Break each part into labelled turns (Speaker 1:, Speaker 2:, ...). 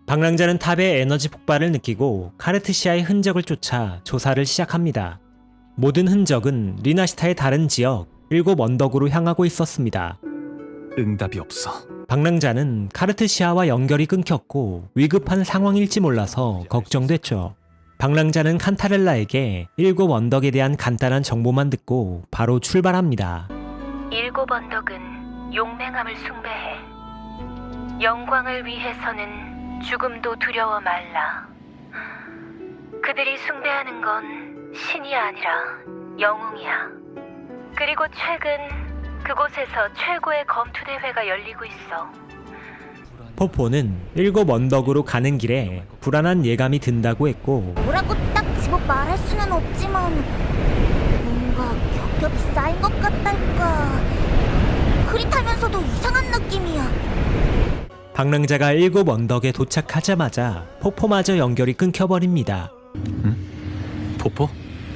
Speaker 1: 방랑자는 탑의 에너지 폭발을 느끼고 카르트시아의 흔적을 쫓아 조사를 시작합니다. 모든 흔적은 리나시타의 다른 지역 7 언덕으로 향하고 있었습니다.
Speaker 2: 응답이 없어.
Speaker 1: 방랑자는 카르트시아와 연결이 끊겼고 위급한 상황일지 몰라서 걱정됐죠. 방랑자는 칸타렐라에게 7 언덕에 대한 간단한 정보만 듣고 바로 출발합니다.
Speaker 3: 7 언덕은 용맹함을 숭배해. 영광을 위해서는 죽음도 두려워 말라. 그들이 숭배하는 건 신이 아니라 영웅이야. 그리고 최근 그곳에서 최고의 검투대회가 열리고 있어.
Speaker 1: 포포는 7 언덕으로 가는 길에 불안한 예감이 든다고 했고
Speaker 4: 뭐라고 딱 집어 말할 수는 없지만 뭔가 겹겹이 쌓인 것 같달까. 흐릿하면서도 이상한 느낌이야.
Speaker 1: 방랑자가 7 언덕에 도착하자마자 포포마저 연결이 끊겨버립니다.
Speaker 2: 포포?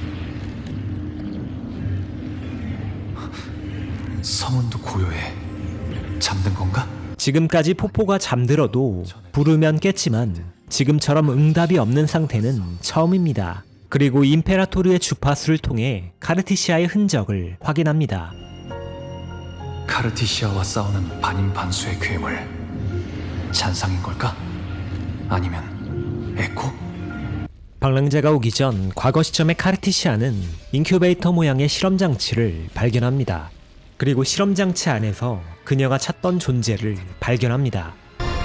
Speaker 2: 성운도 고요해. 잠든 건가?
Speaker 1: 지금까지 포포가 잠들어도 부르면 깼지만 지금처럼 응답이 없는 상태는 처음입니다. 그리고 임페라토르의 주파수를 통해 카르티시아의 흔적을 확인합니다.
Speaker 2: 카르티시아와 싸우는 반인반수의 괴물. 잔상인 걸까? 아니면 에코?
Speaker 1: 방랑자가 오기 전 과거 시점의 카르티시아는 인큐베이터 모양의 실험장치를 발견합니다. 그리고 실험장치 안에서 그녀가 찾던 존재를 발견합니다.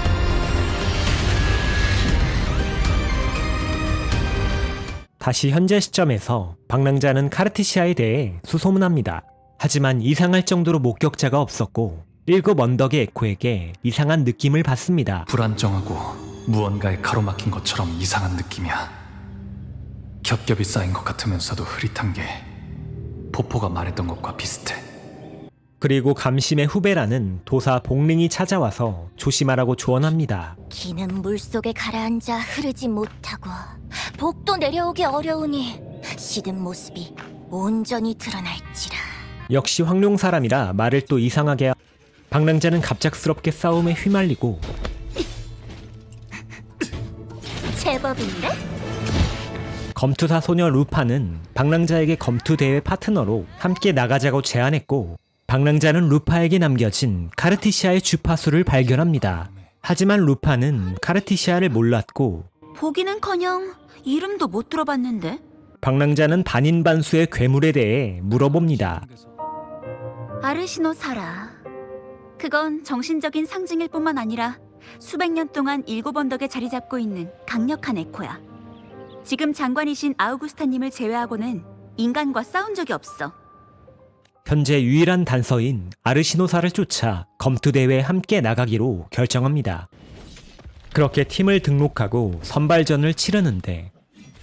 Speaker 1: 다시 현재 시점에서 방랑자는 카르티시아에 대해 수소문합니다. 하지만 이상할 정도로 목격자가 없었고 7 언덕의 에코에게 이상한 느낌을 받습니다.
Speaker 2: 불안정하고 무언가에 가로막힌 것처럼 이상한 느낌이야. 겹겹이 쌓인 것 같으면서도 흐릿한 게 포포가 말했던 것과 비슷해.
Speaker 1: 그리고 감심의 후배라는 도사 복링이 찾아와서 조심하라고 조언합니다.
Speaker 4: 기는 물속에 가라앉아 흐르지 못하고 복도 내려오기 어려우니 시든 모습이 온전히 드러날지라.
Speaker 1: 역시 황룡 사람이라 말을 또 이상하게 방랑자는 갑작스럽게 싸움에 휘말리고
Speaker 4: 제법인데?
Speaker 1: 검투사 소녀 루파는 방랑자에게 검투 대회 파트너로 함께 나가자고 제안했고 방랑자는 루파에게 남겨진 카르티시아의 주파수를 발견합니다. 하지만 루파는 카르티시아를 몰랐고
Speaker 5: 보기는커녕 이름도 못 들어봤는데.
Speaker 1: 방랑자는 반인반수의 괴물에 대해 물어봅니다.
Speaker 5: 아르시노 사라. 그건 정신적인 상징일 뿐만 아니라 수백 년 동안 7 언덕에 자리 잡고 있는 강력한 에코야. 지금 장관이신 아우구스타님을 제외하고는 인간과 싸운 적이 없어.
Speaker 1: 현재 유일한 단서인 아르시노사를 쫓아 검투대회에 함께 나가기로 결정합니다. 그렇게 팀을 등록하고 선발전을 치르는데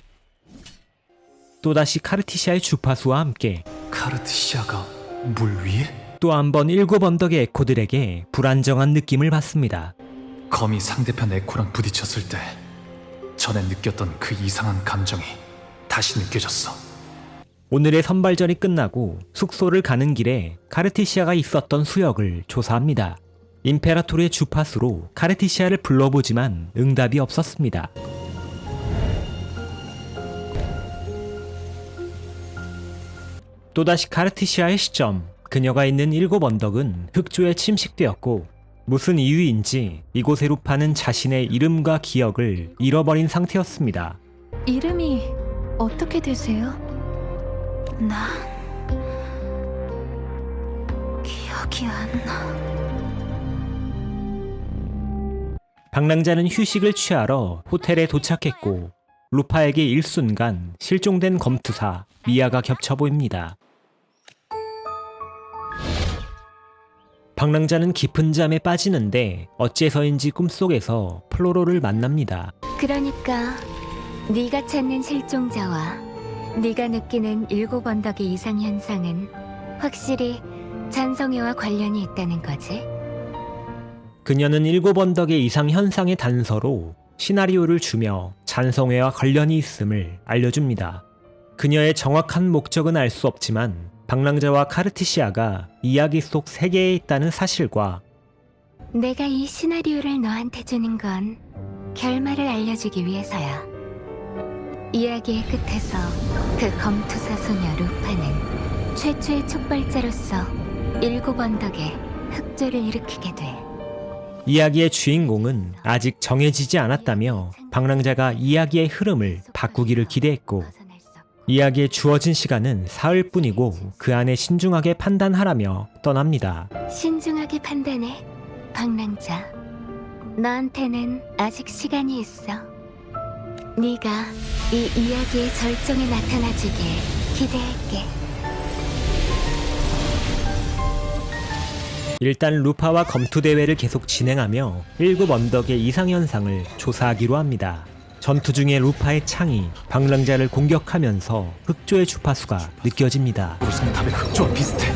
Speaker 1: 또다시 카르티시아의 주파수와 함께
Speaker 2: 카르티시아가 물 위에?
Speaker 1: 또 한 번 7 언덕의 에코들에게 불안정한 느낌을 받습니다.
Speaker 2: 검이 상대편 에코랑 부딪혔을 때 전에 느꼈던 그 이상한 감정이 다시 느껴졌어.
Speaker 1: 오늘의 선발전이 끝나고 숙소를 가는 길에 카르티시아가 있었던 수역을 조사합니다. 임페라토르의 주파수로 카르티시아를 불러보지만 응답이 없었습니다. 또다시 카르티시아의 시점, 그녀가 있는 7 언덕은 흑조에 침식되었고 무슨 이유인지 이곳의 루파는 자신의 이름과 기억을 잃어버린 상태였습니다.
Speaker 3: 이름이 어떻게 되세요?
Speaker 5: 난 기억이 안 나.
Speaker 1: 방랑자는 휴식을 취하러 호텔에 도착했고 루파에게 일순간 실종된 검투사 미아가 겹쳐 보입니다. 방랑자는 깊은 잠에 빠지는데 어째서인지 꿈속에서 플로로를 만납니다.
Speaker 6: 그러니까 네가 찾는 실종자와 네가 느끼는 7 언덕의 이상 현상은 확실히 잔성애와 관련이 있다는 거지?
Speaker 1: 그녀는 7 언덕의 이상 현상의 단서로 시나리오를 주며 잔성애와 관련이 있음을 알려줍니다. 그녀의 정확한 목적은 알 수 없지만 방랑자와 카르티시아가 이야기 속 세계에 있다는 사실과
Speaker 6: 내가 이 시나리오를 너한테 주는 건 결말을 알려주기 위해서야. 이야기의 끝에서 그 검투사 소녀 루파는 최초의 촉발자로서 7 언덕에 흑조를 일으키게 돼.
Speaker 1: 이야기의 주인공은 아직 정해지지 않았다며 방랑자가 이야기의 흐름을 바꾸기를 기대했고, 이야기에 주어진 시간은 사흘뿐이고 그 안에 신중하게 판단하라며 떠납니다.
Speaker 6: 신중하게 판단해, 방랑자. 너한테는 아직 시간이 있어. 네가 이 이야기의 절정에 나타나주길 기대할게.
Speaker 1: 일단 루파와 검투 대회를 계속 진행하며 7 언덕의 이상현상을 조사하기로 합니다. 전투 중에 루파의 창이 방랑자를 공격하면서 흑조의 주파수가 느껴집니다.
Speaker 2: 우성탑의 흑조와 비슷해.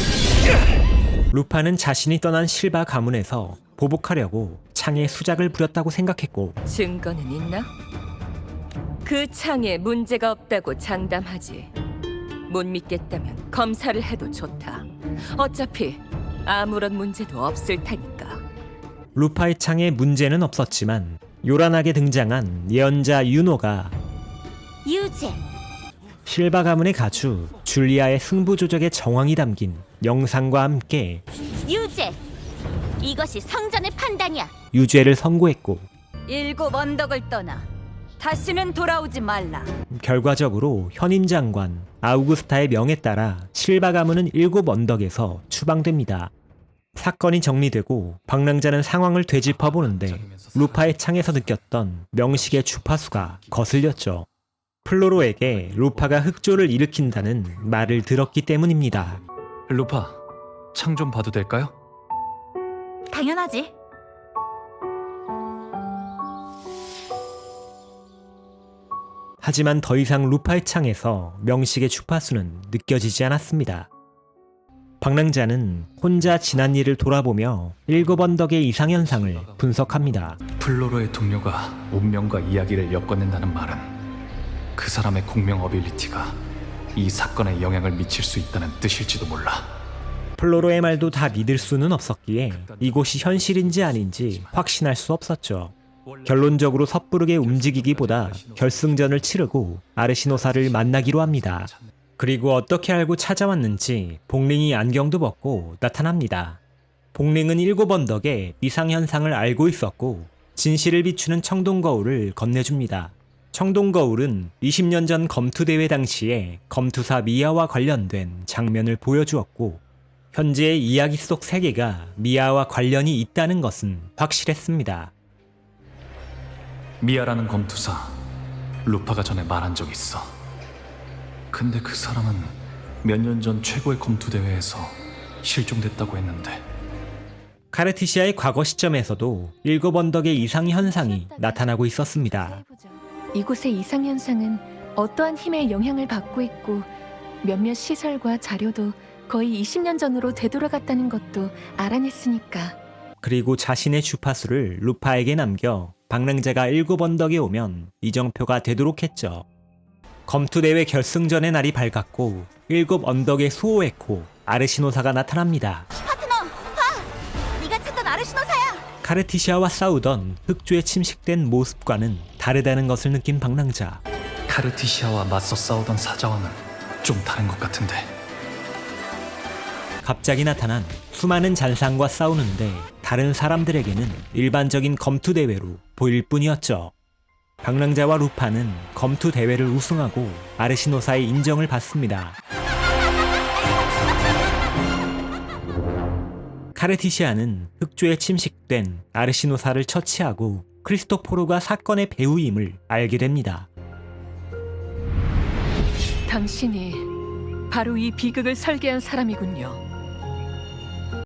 Speaker 1: 루파는 자신이 떠난 실바 가문에서 보복하려고 창에 수작을 부렸다고 생각했고,
Speaker 7: 증거는 있나? 그 창에 문제가 없다고 장담하지. 못 믿겠다면 검사를 해도 좋다. 어차피 아무런 문제도 없을 테니까.
Speaker 1: 루파의 창에 문제는 없었지만 요란하게 등장한 예언자 유노가
Speaker 4: 유죄.
Speaker 1: 실바 가문의 가주 줄리아의 승부 조작의 정황이 담긴 영상과 함께
Speaker 4: 유죄. 이것이 성전의 판단이야.
Speaker 1: 유죄를 선고했고,
Speaker 5: 7 언덕을 떠나 다시는 돌아오지 말라.
Speaker 1: 결과적으로 현임 장관 아우구스타의 명에 따라 실바 가문은 7 언덕에서 추방됩니다. 사건이 정리되고 방랑자는 상황을 되짚어보는데 루파의 창에서 느꼈던 명식의 주파수가 거슬렸죠. 플로로에게 루파가 흑조를 일으킨다는 말을 들었기 때문입니다.
Speaker 2: 루파, 창 좀 봐도 될까요?
Speaker 5: 당연하지.
Speaker 1: 하지만 더 이상 루파의 창에서 명식의 주파수는 느껴지지 않았습니다. 방랑자는 혼자 지난 일을 돌아보며 7 언덕의 이상현상을 분석합니다.
Speaker 2: 플로로의 동료가 운명과 이야기를 엮어낸다는 말은 그 사람의 공명 어빌리티가 이 사건에 영향을 미칠 수 있다는 뜻일지도 몰라.
Speaker 1: 플로로의 말도 다 믿을 수는 없었기에 이곳이 현실인지 아닌지 확신할 수 없었죠. 결론적으로 섣부르게 움직이기보다 결승전을 치르고 아르시노사를 만나기로 합니다. 그리고 어떻게 알고 찾아왔는지 복링이 안경도 벗고 나타납니다. 복링은 7 언덕의 이상현상을 알고 있었고 진실을 비추는 청동거울을 건네줍니다. 청동거울은 20년 전 검투대회 당시에 검투사 미아와 관련된 장면을 보여주었고, 현재의 이야기 속 세계가 미아와 관련이 있다는 것은 확실했습니다.
Speaker 2: 미아라는 검투사, 루파가 전에 말한 적 있어. 근데 그 사람은 몇 년 전 최고의 검투 대회에서 실종됐다고 했는데.
Speaker 1: 카르티시아의 과거 시점에서도 7 언덕의 이상 현상이 나타나고 있었습니다.
Speaker 3: 이곳의 이상현상은 어떠한 힘의 영향을 받고 있고 몇몇 시설과 자료도 거의 20년 전으로 되돌아갔다는 것도 알아냈으니까.
Speaker 1: 그리고 자신의 주파수를 루파에게 남겨 방랑자가 7 언덕에 오면 이정표가 되도록 했죠. 검투대회 결승전의 날이 밝았고 7 언덕의 수호 에코 아르시노사가 나타납니다.
Speaker 4: 파트너, 네가 찾던 아르시노사야.
Speaker 1: 카르티시아와 싸우던 흑조에 침식된 모습과는 다르다는 것을 느낀 방랑자.
Speaker 2: 카르티시아와 맞서 싸우던 사자와는 좀 다른 것 같은데.
Speaker 1: 갑자기 나타난 수많은 잔상과 싸우는데 다른 사람들에게는 일반적인 검투 대회로 보일 뿐이었죠. 방랑자와 루파는 검투 대회를 우승하고 아르시노사의 인정을 받습니다. 카르티시아는 흑조에 침식된 아르시노사를 처치하고 크리스토포로가 사건의 배우임을 알게 됩니다.
Speaker 3: 당신이 바로 이 비극을 설계한 사람이군요.